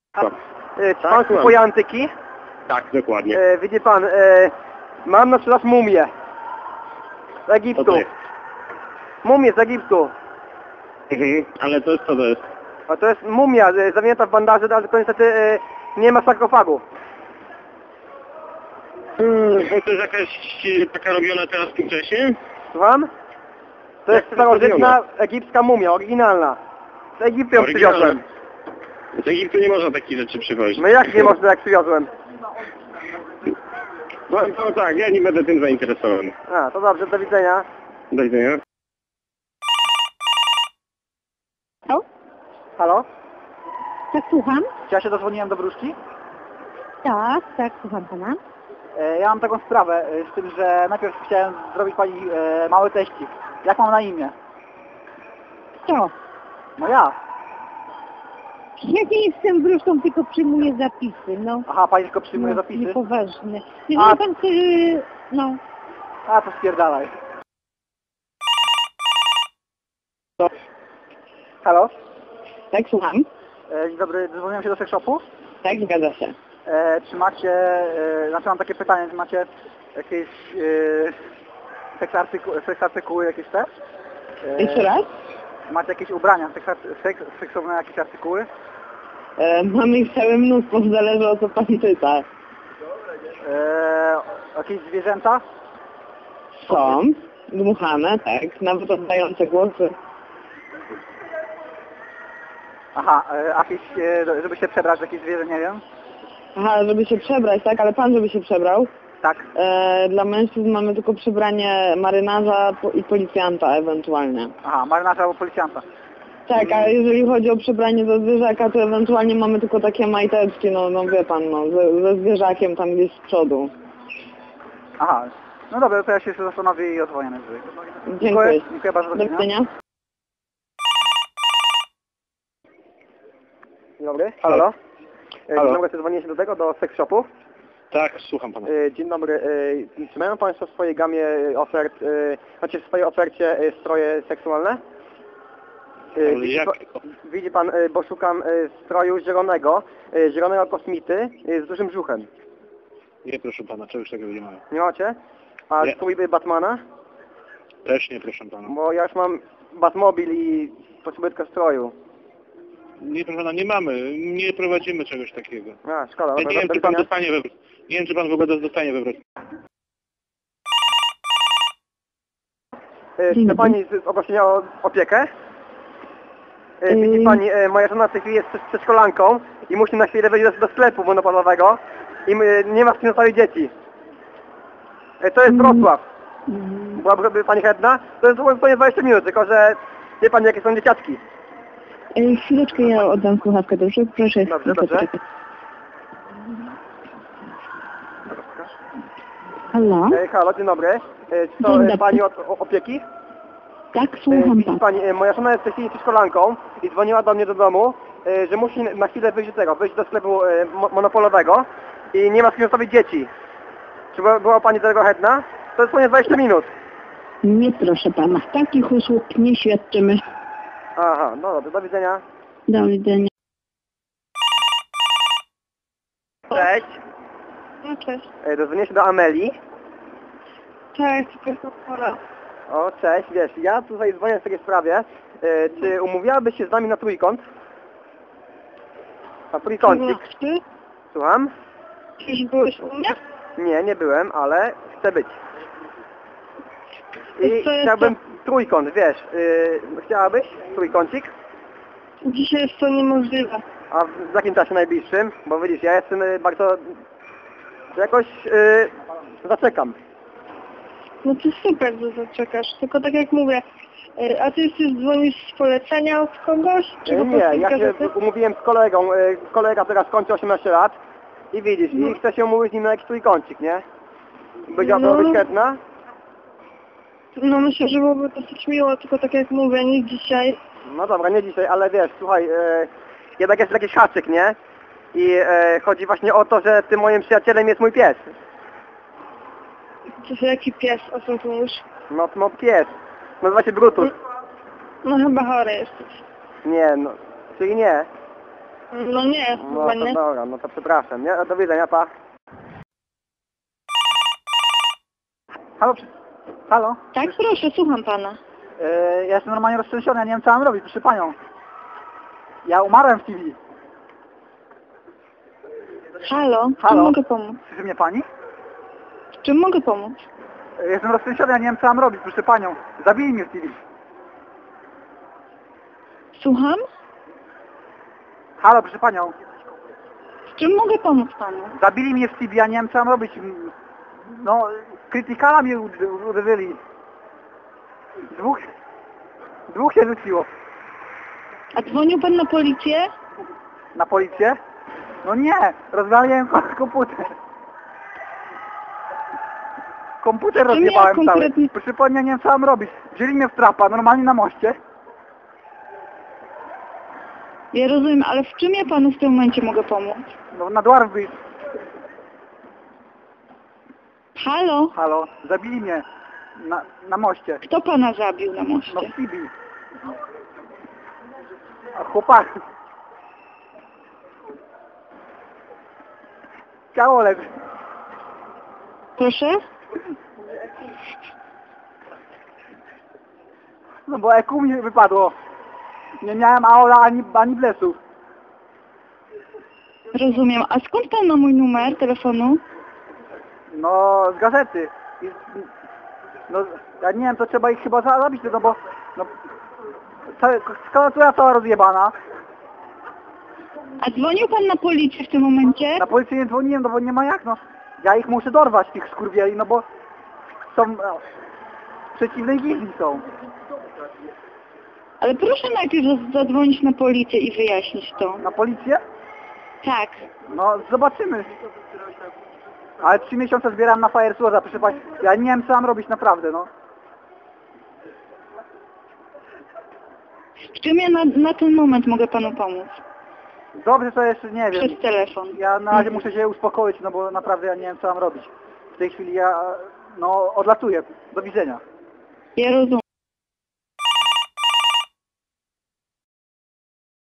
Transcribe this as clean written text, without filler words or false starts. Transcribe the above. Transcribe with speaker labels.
Speaker 1: Czy pan kupuje antyki?
Speaker 2: Tak, dokładnie.
Speaker 1: Widzi pan, mam na sprzedaż mumię z Egiptu.
Speaker 2: Co to jest?
Speaker 1: Mumię z Egiptu.
Speaker 2: Ale to jest co to jest?
Speaker 1: A to jest mumia zawinięta w bandaże, ale to niestety nie ma sarkofagu.
Speaker 2: To jest jakaś taka robiona teraz współcześnie?
Speaker 1: Słucham? To jest starożytna egipska mumia, oryginalna. Z Egiptu ją przywiozłem.
Speaker 2: Z Egiptu nie można takich rzeczy przywozić.
Speaker 1: No jak nie można, jak przywiozłem?
Speaker 2: No tak, ja nie będę tym zainteresowany.
Speaker 1: A, to dobrze, do widzenia.
Speaker 2: Do widzenia.
Speaker 3: Halo?
Speaker 1: Halo?
Speaker 3: Tak, słucham?
Speaker 1: Czy ja się dozwoniłem do wróżki?
Speaker 3: Tak, słucham pana.
Speaker 1: Ja mam taką sprawę z tym, że najpierw chciałem zrobić pani mały teścik. Jak mam na imię?
Speaker 3: Co?
Speaker 1: No ja.
Speaker 3: Ja nie jestem wróżką, tylko przyjmuję zapisy, no.
Speaker 1: Aha, pani tylko przyjmuje
Speaker 3: No,
Speaker 1: zapisy?
Speaker 3: niepoważne.
Speaker 1: A-
Speaker 3: Jeżeli pan chce, no.
Speaker 1: A, to spierdalaj. Halo?
Speaker 3: Tak, słucham.
Speaker 1: Dzień dobry, dzwoniłem się do sex shopu.
Speaker 3: Tak, zgadza się.
Speaker 1: Czy macie, znaczy mam takie pytanie, czy macie jakieś seks artykuły jakieś te?
Speaker 3: Jeszcze raz?
Speaker 1: Macie jakieś ubrania, seksowne jakieś artykuły?
Speaker 3: Mamy ich całe mnóstwo, zależy o co pan pyta.
Speaker 1: Jakieś zwierzęta?
Speaker 3: Są, dmuchane, tak, nawet oddające głosy.
Speaker 1: Aha, jakieś, żeby się przebrać w jakieś zwierzę, nie wiem?
Speaker 3: Aha, żeby się przebrać, tak, ale pan żeby się przebrał?
Speaker 1: Tak.
Speaker 3: Dla mężczyzn mamy tylko przebranie marynarza i policjanta ewentualnie.
Speaker 1: Aha, marynarza albo policjanta.
Speaker 3: Tak, a jeżeli chodzi o przebranie do zwierzaka, to ewentualnie mamy tylko takie majteczki, no wie pan, no, ze zwierzakiem tam gdzieś z przodu.
Speaker 1: Aha, no dobra, to ja się zastanowię i odzwonię najwyżej.
Speaker 3: Dziękuję.
Speaker 1: Dziękuję bardzo.
Speaker 3: Do widzenia.
Speaker 1: Dzień dobry.
Speaker 2: Halo.
Speaker 1: Dzień
Speaker 2: Halo.
Speaker 1: dobry, dzwonię się do tego, do sex shopu.
Speaker 2: Tak, słucham pana.
Speaker 1: Dzień dobry. Czy mają Państwo w swojej gamie ofert, znaczy w swojej ofercie stroje seksualne?
Speaker 2: Ale jak?
Speaker 1: Widzi Pan, bo szukam stroju zielonego kosmity z dużym brzuchem.
Speaker 2: Nie, proszę pana, czegoś takiego nie mamy.
Speaker 1: Nie macie? A
Speaker 2: Nie.
Speaker 1: strój Batmana?
Speaker 2: Też nie, proszę pana.
Speaker 1: Bo ja już mam Batmobil i potrzebuję tylko stroju.
Speaker 2: Nie, proszę pana, nie mamy. Nie prowadzimy czegoś takiego.
Speaker 1: A, szkoda.
Speaker 2: Ja nie wiem, czy pan dostanie we wrot. Nie wiem, czy pan w ogóle dostanie we wrot.
Speaker 1: Chce Pani poprosić o opiekę? Widzi Pani, moja żona w tej chwili jest przedszkolanką i musi na chwilę wejść do sklepu monopolowego i nie ma z kim zostawić dzieci. To jest Wrocław. Byłaby Pani chętna? To jest zupełnie 20 minut, tylko że wie Pani jakie są dzieciaczki.
Speaker 3: Chwileczkę, ja oddam słuchawkę, dobrze? Proszę.
Speaker 1: Dobrze, dobrze.
Speaker 3: Halo?
Speaker 1: Halo, dzień dobry. Czy to
Speaker 3: Dzień dobry.
Speaker 1: Pani od opieki?
Speaker 3: Tak, słucham
Speaker 1: Widzi
Speaker 3: pan.
Speaker 1: Pani, moja żona jest w tej chwili przedszkolanką i dzwoniła do mnie do domu, że musi na chwilę wyjść do sklepu monopolowego i nie ma z kim zostawić dzieci. Czy była Pani do tego chętna? To jest ponad 20 minut.
Speaker 3: Nie, proszę pana, takich usług nie świadczymy.
Speaker 1: Aha, no dobrze, do widzenia.
Speaker 3: Do widzenia.
Speaker 1: Cześć.
Speaker 3: No cześć.
Speaker 1: Dozwonię się do Amelii.
Speaker 3: Cześć, tylko pora.
Speaker 1: O, cześć, wiesz, ja tutaj dzwonię w takiej sprawie. Czy umówiłabyś się z nami na trójkąt? Na trójkącik.
Speaker 3: Ty?
Speaker 1: Słucham?
Speaker 3: Już byłeś u mnie?
Speaker 1: Nie, nie byłem, ale chcę być. I
Speaker 3: Wiesz co, jest
Speaker 1: chciałbym trójkąt, wiesz, chciałabyś trójkącik?
Speaker 3: Dzisiaj jest to niemożliwe.
Speaker 1: A w jakim czasie najbliższym? Bo widzisz, ja jestem bardzo... jakoś zaczekam.
Speaker 3: No to super, że zaczekasz. Tylko tak jak mówię, a ty już dzwonisz z polecenia od kogoś? Czy po
Speaker 1: Nie,
Speaker 3: prostu
Speaker 1: ja się
Speaker 3: gazety?
Speaker 1: umówiłem z kolegą. Kolega teraz kończy 18 lat i widzisz, i chcę się umówić z nim na jakiś trójkącik, nie? Byłabyś chętna?
Speaker 3: No myślę, że byłoby dosyć miło, tylko tak jak mówię, nie dzisiaj.
Speaker 1: No dobra, nie dzisiaj, ale wiesz, słuchaj, jednak jest jakiś haczyk, nie? I chodzi właśnie o to, że tym moim przyjacielem jest mój pies.
Speaker 3: To jest jaki pies, o czym tu mówisz?
Speaker 1: No pies. Nazywa się Brutus.
Speaker 3: No chyba chory jesteś.
Speaker 1: Nie, no, czyli nie.
Speaker 3: No nie,
Speaker 1: No
Speaker 3: chyba
Speaker 1: to
Speaker 3: nie.
Speaker 1: dobra, no to przepraszam, nie? Do widzenia, pa.
Speaker 4: Halo? Halo?
Speaker 3: Tak, proszę, słucham pana.
Speaker 4: Ja jestem normalnie roztrzęsiony, ja nie wiem co mam robić, proszę panią. Ja umarłem w TV.
Speaker 3: Halo, w czym
Speaker 4: Halo?
Speaker 3: mogę pomóc?
Speaker 4: Słyszy mnie pani?
Speaker 3: W czym mogę pomóc?
Speaker 4: Jestem roztrzęsiony, ja nie wiem co mam robić, proszę panią. Zabili mnie w TV.
Speaker 3: Słucham?
Speaker 4: Halo, proszę panią.
Speaker 3: W czym mogę pomóc panu?
Speaker 4: Zabili mnie w TV, ja nie wiem co mam robić. No, krytykala mnie uderzyli. Dwóch się rzuciło.
Speaker 3: A dzwonił pan na policję?
Speaker 4: Na policję? No nie, rozwaliłem komputer. Komputer
Speaker 3: Czym ja
Speaker 4: rozjebałem cały.
Speaker 3: konkretnie-
Speaker 4: Proszę pani, ja nie wiem co mam robić. Wzięli mnie w trapa, normalnie na moście.
Speaker 3: Ja rozumiem, ale w czym ja panu w tym momencie mogę pomóc?
Speaker 4: No na dwarf wyjść.
Speaker 3: Halo?
Speaker 4: Halo, zabili mnie. Na moście.
Speaker 3: Kto pana zabił na
Speaker 4: No
Speaker 3: moście?
Speaker 4: w Tibi. A chłopak. Ciało leży.
Speaker 3: Proszę?
Speaker 4: No bo EQ mi wypadło. Nie miałem aula ani blesów.
Speaker 3: Rozumiem. A skąd pan ma mój numer telefonu?
Speaker 4: No z gazety. No ja nie wiem, to trzeba ich chyba zabić, no bo no, klawiatura cała rozjebana.
Speaker 3: A dzwonił pan na policję w tym momencie?
Speaker 4: Na policję nie dzwoniłem, no bo nie ma jak, no. Ja ich muszę dorwać, tych skurwieli, no bo są przeciwnej gildii są.
Speaker 3: Ale proszę najpierw zadzwonić na policję i wyjaśnić to.
Speaker 4: Na policję?
Speaker 3: Tak.
Speaker 4: No zobaczymy. Ale 3 miesiące zbieram na Firesworda, proszę pani. Ja nie wiem co mam robić naprawdę, no.
Speaker 3: W czym ja na ten moment mogę panu pomóc?
Speaker 4: Dobrze, to jeszcze nie wiem.
Speaker 3: Przez telefon.
Speaker 4: Ja na razie muszę się uspokoić, no bo naprawdę ja nie wiem co mam robić. W tej chwili ja, no, odlatuję. Do widzenia.
Speaker 3: Ja rozumiem.